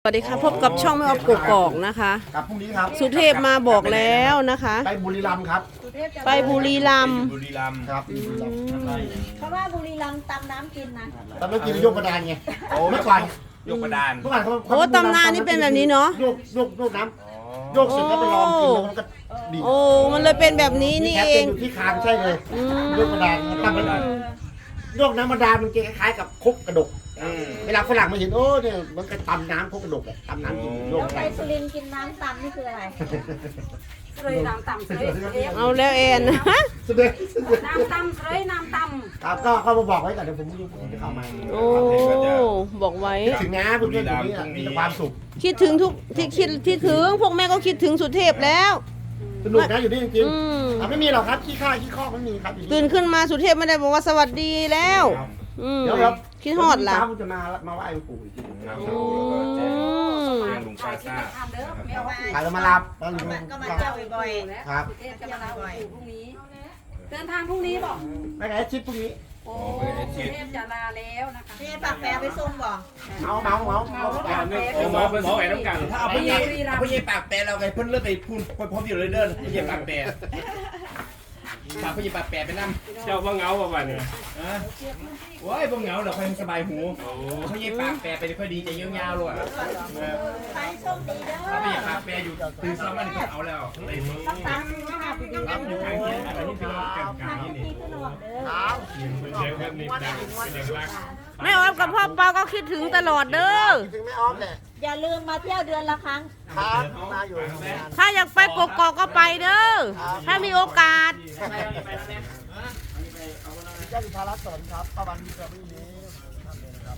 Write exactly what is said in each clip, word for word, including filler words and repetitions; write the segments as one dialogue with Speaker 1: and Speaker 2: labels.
Speaker 1: วัสดีค่ะพบกับช่องแม่ออฟกกอกนะคะ
Speaker 2: กับพรุ่งนี้ครับ
Speaker 1: สุเทพมาบอกแล้วนะคะ
Speaker 2: ไปบุรีรัมย์ครับ
Speaker 1: ไปบุรีรัมย์
Speaker 3: บุรีรัมย์
Speaker 2: ครับบุรีรัมย์
Speaker 4: เพราะว่าบุรีรัมย์ตำน้ำกินนะ
Speaker 2: ตอนเมื่อกี้เรายกกระดานไงเมื่อก่อน
Speaker 3: ยกกระดาน
Speaker 2: เมื่อก่อนเขา
Speaker 1: โอ้ตำนานนี่เป็นแบบนี้เนาะ
Speaker 2: โยกโยกโยกน้ำโยกเสร็จแล้วไปลองกินแล้วมันก็ดี
Speaker 1: โอ้มันเลยเป็นแบบนี้นี่
Speaker 2: แคป
Speaker 1: เอ
Speaker 2: เป็น
Speaker 1: ง
Speaker 2: อยู่ที่คางใช่เลย
Speaker 1: อืม
Speaker 2: โยกกระดานตั้งกระดานโยกน้ำกระดานมันคล้ายๆกับครกกระดกเวลาฝรั่งมาเห็นโอ้เนี่ยมันก็ตำน้ำครกกระดกอะตำน้ำกินโยก
Speaker 4: แล้ว
Speaker 2: ไป
Speaker 4: ไปสุรินทร์กินน้ำตำนี่คืออะไร
Speaker 5: เลยน้ำตำเลยเอฟ
Speaker 1: เอาแล้วเอ็น
Speaker 2: สุดเลย
Speaker 5: น้ำตำเลยน้ำต
Speaker 2: ครับก็เข้ามาบอกไว้ก่อนเดี๋ยวผมจะเข้ามา
Speaker 1: โอ้บอกไว้
Speaker 2: คิดถึงนะเพื่อนๆคนนี้อะมีแต่ความสุข
Speaker 1: คิดถึงทุกที่คิดที่ถึงพวกแม่ก็คิดถึงสุเทพแล้ว
Speaker 2: สนุกนะอยู่นี่จริง
Speaker 1: อืม
Speaker 2: ๆอ่ะไม่มีหรอกครับขี้ข้าขี้ข้อไม่มีครับอยู่
Speaker 1: ตื่นขึ้นมาสุเทพไม่ได้บอกว่าสวัสดีแล้วอืม
Speaker 2: เดี๋ยวครับ
Speaker 1: คิดฮอดล่ะ
Speaker 2: เช้าผมจะมามาไหว้หลวงปู่อีกทีหนึ่ง
Speaker 3: ครับ
Speaker 1: อืม
Speaker 3: แจ้งลุง
Speaker 5: ำ
Speaker 3: ป้า
Speaker 5: ที่
Speaker 3: ซ่า
Speaker 5: มาทำเด้อไม่เอาไป
Speaker 2: ขายแล้วมารับแล้วลุง
Speaker 4: ก็มาเที่ยวบ่อย
Speaker 2: ครับ
Speaker 5: เทพจะมาลาปู่พรุ่งนี้ เดินทางพรุ่งนี้บอก
Speaker 2: ไม่ไงชิปพวกนี้
Speaker 5: โอ้เทพจะลาแล้วนะคะ
Speaker 4: ๆนี่ปากแปรไปส่งบ่
Speaker 2: เมาเมาเมาเมา
Speaker 5: เอาปากแปร
Speaker 3: โอ้หมอเป็นหมอแหวนน้ำกัน
Speaker 6: ถ้าเอาไปเย็บเอาไปเย็บปากแปรเราไงเพิ่นเลือกไปพูนพร้อมอยู่เลยเดินไปเย็บปากแปรฝากไปเย็บปากแปรไปนั่ง
Speaker 3: เจ้าว่าเงาป่ะวันนี้
Speaker 6: อ่ะโอ้ยพวกเหงาเดี๋ยวค่อยสบายหูเขาเย็บปากแปรไปค่อยดีใจยาวๆเลย
Speaker 4: ไปโชคดีเด้อ
Speaker 6: ถ้าไปเย็บปากแปรอยู่ตื่นซ้อมมันก็เอาแล้วเลย
Speaker 4: ต้องตำนะคะไปดู
Speaker 6: รับอยู่ข้างเคียงอะไรที่เป็นกันกลาง
Speaker 4: ทำ
Speaker 6: นี่
Speaker 4: ที่ขนมเด้อ
Speaker 2: ครับ
Speaker 3: เสียงแบบนี้ดังเป็นเอกลักษณ์
Speaker 1: แม่ออฟกับพ่อเปาก็คิดถึงตลอดเด้อ
Speaker 2: คิดถึงแม่ออฟแหละ
Speaker 4: อย่าลืมมาเที่ยวเดือนละครั้ง
Speaker 2: ครับมาอยู่ทำงาน
Speaker 1: ถ้าอยากไปกกอกก็ไปเด้อถ้ามีโอกาส
Speaker 2: เจ้าสุภารัตน์สอนครับป้าวันดีครับพี่นี้ท่านเลยนะครับ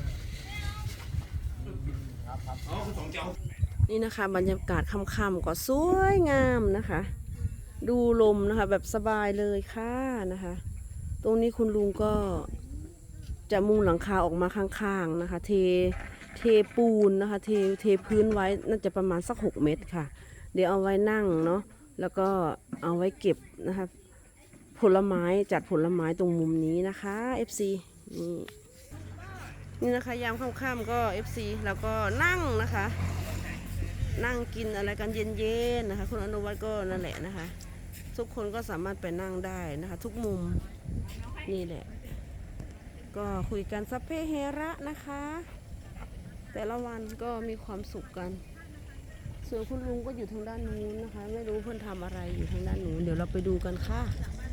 Speaker 6: อ๋อคือสองเจ้า
Speaker 1: นี่นะคะบรรยากาศค่ำๆก็สวยงามนะคะ ดูลมนะคะแบบสบายเลยค่ะนะคะ ตรงนี้คุณลุงก็จะมุงหลังคาออกมาข้างๆนะคะ เทเทปูนนะคะ เทเทพื้นไว้น่าจะประมาณสักหกเมตรค่ะ เดี๋ยวเอาไว้นั่งเนาะแล้วก็เอาไว้เก็บนะคะผลไม้จัดผลไม้ตรงมุมนี้นะคะ เอฟ ซี นี่นี่นะคะยามค่ำๆก็ เอฟ ซี แล้วก็นั่งนะคะ นั่งกินอะไรกันเย็นๆนะคะคุณอนุวัฒน์ก็นั่นแหละนะคะ ทุกคนก็สามารถไปนั่งได้นะคะ ทุกมุมนี่แหละ ก็คุยกันสัพเพเฮระนะคะ แต่ละวันก็มีความสุขกัน ส่วนคุณลุงก็อยู่ทางด้านนู้นนะคะ ไม่รู้เพื่อนทำอะไรอยู่ทางด้านนู้นเดี๋ยวเราไปดูกันค่ะ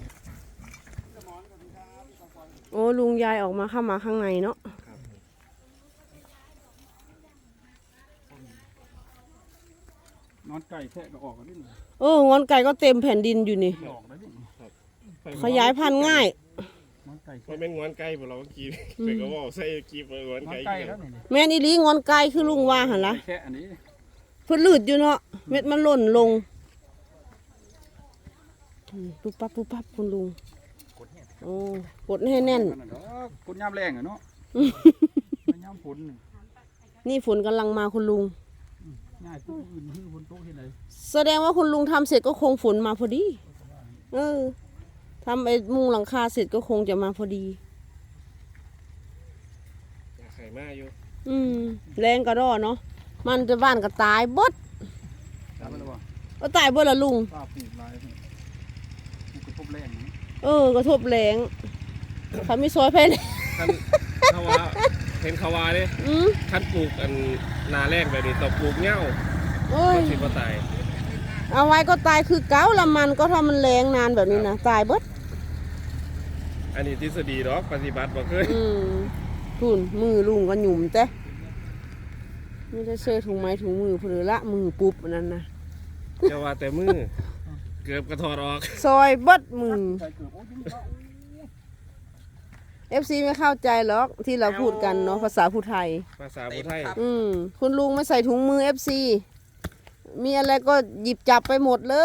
Speaker 1: โอ้ลุงยายออกมาเข้ามาข้างในเนาะ
Speaker 7: นอนไก่แทะก็ออกกันนิดหน่อย
Speaker 1: เอองอนไก่ก็เต็มแผ่นดินอยู่นี่
Speaker 7: ออกได้ดิ
Speaker 1: ขยายพันธุ์ง่าย
Speaker 7: นอนไก่
Speaker 3: ไม่แม่งงอนไก่พวกเราเมื่อกี้เป็นก็บอกใส่กีบงอน
Speaker 7: นอน
Speaker 3: ไก่
Speaker 7: ไก่แล้วนี่
Speaker 1: แม่นอีหลีงอนไก่คือลุงว่าหันละ
Speaker 7: แค่อันนี้
Speaker 1: เพิ่นลืดอยู่เนาะเม็ดมันหล่นลงอืมปุ๊บปั๊บปุ๊บปั๊บคุณลุงโอ้กดให้แน่น
Speaker 7: นั่นเนาะคนย่ำแรงอะเนาะมันย่ำฝนนี่
Speaker 1: นี่ฝนกำลังมาคุณลุง
Speaker 7: ง่ายผู้อื่นที่ฝนตกที่ไหน
Speaker 1: แสดงว่าคุณลุงทำเสร็จก็คงฝนมาพอดี เออทำไอ้มุงหลังคาเสร็จก็คงจะมาพอดี
Speaker 3: ไข่มาอยู่
Speaker 1: อืมแรงกระดอเนาะมันจะบ้านก็ตายบด
Speaker 7: ตามมันว่า
Speaker 1: ก็ตายบดละลุง
Speaker 7: ป้าปลูกลายนี่มันก็พบแรงนี่
Speaker 1: เออกระทบแรงเขาไม่ซอยไปเลย
Speaker 3: ท่านเขาว่าเห็นเขาว่าเนี่ย
Speaker 1: อืม
Speaker 3: ท่านปลูกอันนาแรกแบบนี้ต้องปลูกเง่า
Speaker 1: โอ้ย
Speaker 3: คิดว่าตาย
Speaker 1: เอาไว้ก็ตายคือเก้าละมันก็ถ้ามันแรงนานแบบนี้นะตายเบิด
Speaker 3: อันนี้ทฤษฎีหรอกปฏิบัติบ่เคย
Speaker 1: อืมทุนมือลุงก็หยุ่มเจ้ไม่ได้เสื้อถุงไม้ถุงมือเพลือละมือปุ๊บอันนั้นนะ
Speaker 3: จะว่าแต่มือเกือบกระถอดออก
Speaker 1: ซอยเบิดมือ
Speaker 7: ไก่เกือบโอ้ยยิ่งเข้า
Speaker 1: เอฟซีไม่เข้าใจหรอกที่เราพูดกันเนาะภาษาผู้ไทย
Speaker 3: ภาษาพุทธไทย
Speaker 1: อืมคุณลุงไม่ใส่ถุงมือเอฟซีมีอะไรก็หยิบจับไปหมดเลย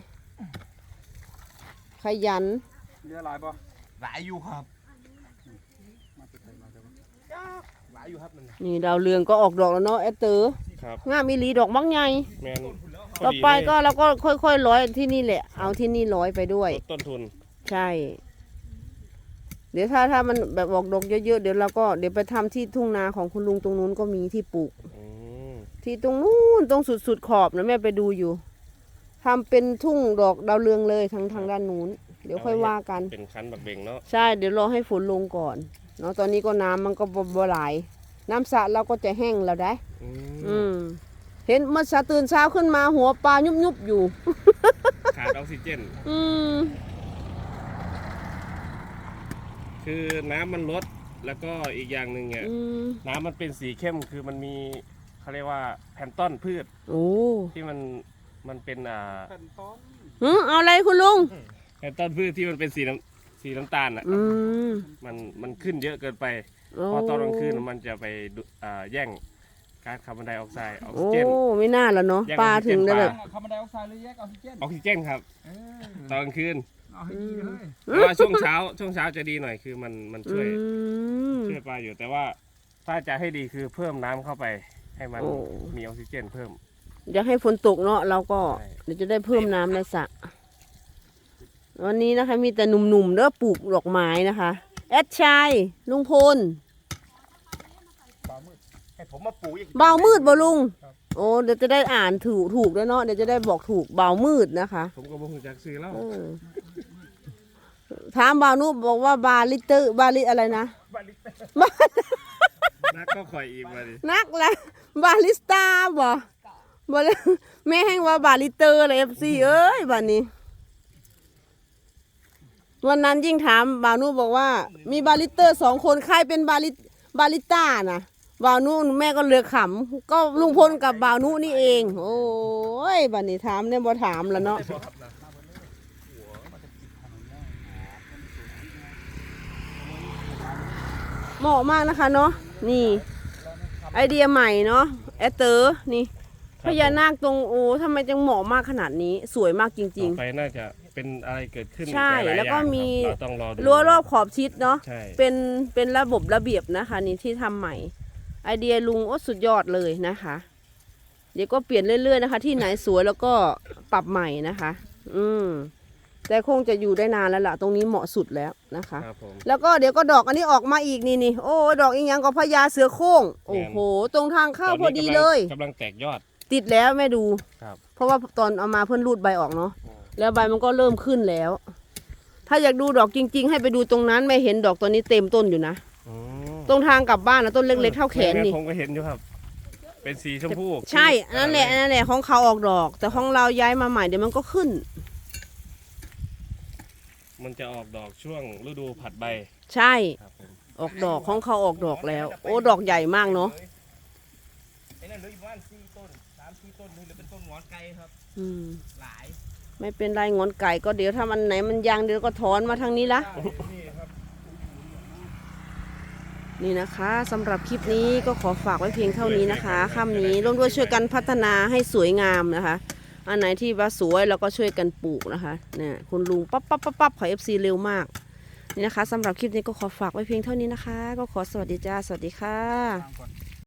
Speaker 1: ขยัน
Speaker 7: เรือหลายป่ะ
Speaker 6: หลายอยู่ครับ
Speaker 7: มาติดไทยมาจะ
Speaker 6: หลายอยู่ครับมัน
Speaker 1: นี่ดาวเรืองก็ออกดอกแล้วเนาะแอตเตอร์
Speaker 3: ครับ
Speaker 1: งามมีหลีดอกบักใหญ่
Speaker 3: แมน
Speaker 1: ต่อไปก็เราก็ค่อยๆร้อยที่นี่แหละ เอาที่นี่ร้อยไปด้วย
Speaker 3: ลดต้นทุน
Speaker 1: ใช่ เดี๋ยวถ้าถ้ามันแบบออกดอกเยอะๆเดี๋ยวเราก็เดี๋ยวไปทำที่ทุ่งนาของคุณลุงตรงนู้นก็มีที่ปลูก
Speaker 3: อืม
Speaker 1: ที่ตรงนู้นตรงสุดๆขอบนะแม่ไปดูอยู่ทำเป็นทุ่งดอกดาวเรืองเลยทางทางด้านนู้นเดี๋ยวค่อยว่ากัน
Speaker 3: เป็นคันบักเบงเนาะ
Speaker 1: ใช่เดี๋ยวรอให้ฝนลงก่อนเนาะตอนนี้ก็น้ำมันก็บ่บ่ไหลน้ำสระเราก็จะแห้งแล้วได้
Speaker 3: อืม
Speaker 1: อืมเห็นเมื่อเช้าตื่นเช้าขึ้นมาหัวปลายุบยุบๆอยู่
Speaker 3: ขาดออกซิเจน
Speaker 1: อืม
Speaker 3: คือน้ำมันลดแล้วก็อีกอย่างหนึ่งเนี่ย
Speaker 1: อืม
Speaker 3: น้ำมันเป็นสีเข้มคือมันมีเขาเรียกว่าแพลนต้อนพืช
Speaker 1: โอ้
Speaker 3: ที่มันมันเป็นอ่า
Speaker 1: หึเอาอะไรคุณลุง
Speaker 3: แพลนต้อนพืชที่มันเป็นสีน้ำสีน้ำตาลอ่ะ
Speaker 1: อืม
Speaker 3: มันมันขึ้นเยอะเกินไป
Speaker 1: โอ้
Speaker 3: พอตอนกลางคืนมันจะไปดูอ่าแย่งก๊าซคาร์บอนไดออกไซด์ออกซิ
Speaker 1: โอ้
Speaker 3: เจน
Speaker 1: ไม่น่าละเนาะ
Speaker 3: แยก
Speaker 1: ปลา
Speaker 3: ออกซิเจน
Speaker 1: ถึงได้แบบ
Speaker 7: คาร์บอนไดออกไซด์หรือแยกออกซิเจน
Speaker 3: ออกซิเจนครับ
Speaker 7: เออ
Speaker 3: ตอนกลางคืน
Speaker 7: เอาให้ดีเลย
Speaker 3: แต่ว่าช่วงเช้าช่วงเช้าจะดีหน่อยคือมันมันช่วย
Speaker 1: อืม
Speaker 3: ช่วยปลาอยู่แต่ว่าถ้าจะให้ดีคือเพิ่มน้ำเข้าไป ให้มัน
Speaker 1: โอ้
Speaker 3: มีออกซิเจนเพิ่ม
Speaker 1: อยากให้ฝนตกเนาะเราก็
Speaker 3: ใช่
Speaker 1: เดี๋ยวจะได้เพิ่มน้ำในสระวันนี้นะคะ มีแต่หนุ่มๆเด้อปลูกดอกไม้นะคะ แอดชัยลุงพล
Speaker 2: ให้ผมมาปลูกอีก
Speaker 1: เบามืดบ่ลุง โอ้เดี๋ยวจะได้อ่านถูกถูกแล้วเนาะเดี๋ยวจะได้บอกถูกเบามืดนะคะ
Speaker 3: ผมก็บอกจากซื้อแล้ว
Speaker 1: เออถามบ่าวนุบอกว่าบาลิเตอร์บาลิอะไรนะ
Speaker 3: นักก็คอยอีกมาดิ
Speaker 1: นักละบาลิสตาบ่บ่เลยแม่แห้งว่าบาลิเตอร์เลยเอฟซีเอ้ยบัดนี้ วันนั้นยิ่งถามบ่าวนุบอกว่า มีบาลิเตอร์สองคนใครเป็นบาลิบาลิต้านะบ่าวนุแม่ก็เลือกขำก็ลุงพลกับบ่าวนุนี่เอง โอ้ยบัดนี้ถามเนี่ยบ่ถามแล้วเนาะเหมาะมากนะคะเนาะนี่ ไอเดียใหม่เนาะแอดเตอร์นี่พญานาคตรงโอ้ทำไมจังเหมาะมากขนาดนี้ สวยมากจริง
Speaker 3: ต่อไปน่าจะเป็นอะไรเกิดขึ้น
Speaker 1: ใช่
Speaker 3: หายๆ
Speaker 1: แล้วก็
Speaker 3: อย่าง
Speaker 1: มี
Speaker 3: ครับเราต้องรอดู
Speaker 1: ๆรั้วรอบขอบชิดเนาะ
Speaker 3: ใช่
Speaker 1: เป็นเป็นระบบระเบียบนะคะ นี่ที่ทำใหม่ ไอเดียลุงโอ้สุดยอดเลยนะคะ เดี๋ยวก็เปลี่ยนเรื่อยๆนะคะ ที่ไหนสวยแล้วก็ปรับใหม่นะคะ อืมแต่คงจะอยู่ได้นานแล้วล่ะ ตรงนี้เหมาะสุดแล้วนะคะ
Speaker 3: ครับผม
Speaker 1: แล้วก็เดี๋ยวก็ดอกอันนี้ออกมาอีกนี่นี่โอ้ดอกอีกอย่างก็พญาเสือโคร่งโอ้โห ตรงทางเข้าพอดีเลย
Speaker 3: กำลังแตกยอด
Speaker 1: ติดแล้วแม่ดู
Speaker 3: ครับ
Speaker 1: เพราะว่าตอนเอามาเพื่อนรูดใบออกเนาะแล้วใบมันก็เริ่มขึ้นแล้ว ถ้าอยากดูดอกจริง ๆ ให้ไปดูตรงนั้นแม่เห็นดอกตัวนี้เต็มต้นอยู่นะ
Speaker 3: อืม
Speaker 1: ตรงทางกลับบ้านนะต้นเล็กๆเท่าแขนนี่
Speaker 3: ผมก็เห็นอยู่ครับ เป็นสีชมพู
Speaker 1: ใช่นั่นแหละนั่นแหละของเขาออกดอก แต่ของเราย้ายมาใหม่เดี๋ยวมันก็ขึ้น
Speaker 3: มันจะออกดอกช่วงฤดูผัดใบ
Speaker 1: ใช่
Speaker 3: ครับผม
Speaker 1: ออกดอกของเขาออกดอกแล้ว โอ้ดอกใหญ่มากเนาะ
Speaker 6: ไอ้นั่นเหลืออีกประมาณสี่ต้นสามสี่ต้นนี่เหลือเป็นต้นหงอนไก่ครับ
Speaker 1: อืม
Speaker 6: หลาย
Speaker 1: ไม่เป็นไรงอนไก่ก็เดี๋ยวถ้ามันไหนมันยังเดี๋ยวก็ถอนมาทางนี้ละ
Speaker 6: นี่ครับ
Speaker 1: นี่นะคะสำหรับคลิปนี้ก็ขอฝากไว้เพียงเท่านี้นะคะค่ำนี้ร่วมด้วยช่วยกันพัฒนาให้สวยงามนะคะ อันไหนที่ว่าสวยเราก็ช่วยกันปลูกนะคะเนี่ยคุณลุงปั๊บปั๊บปั๊บปั๊บขอเอฟซีเร็วมากนี่นะคะสำหรับคลิปนี้ก็ขอฝากไว้เพียงเท่านี้นะคะ ก็ขอสวัสดีจ้าสวัสดีค่ะ
Speaker 7: ตามก่อน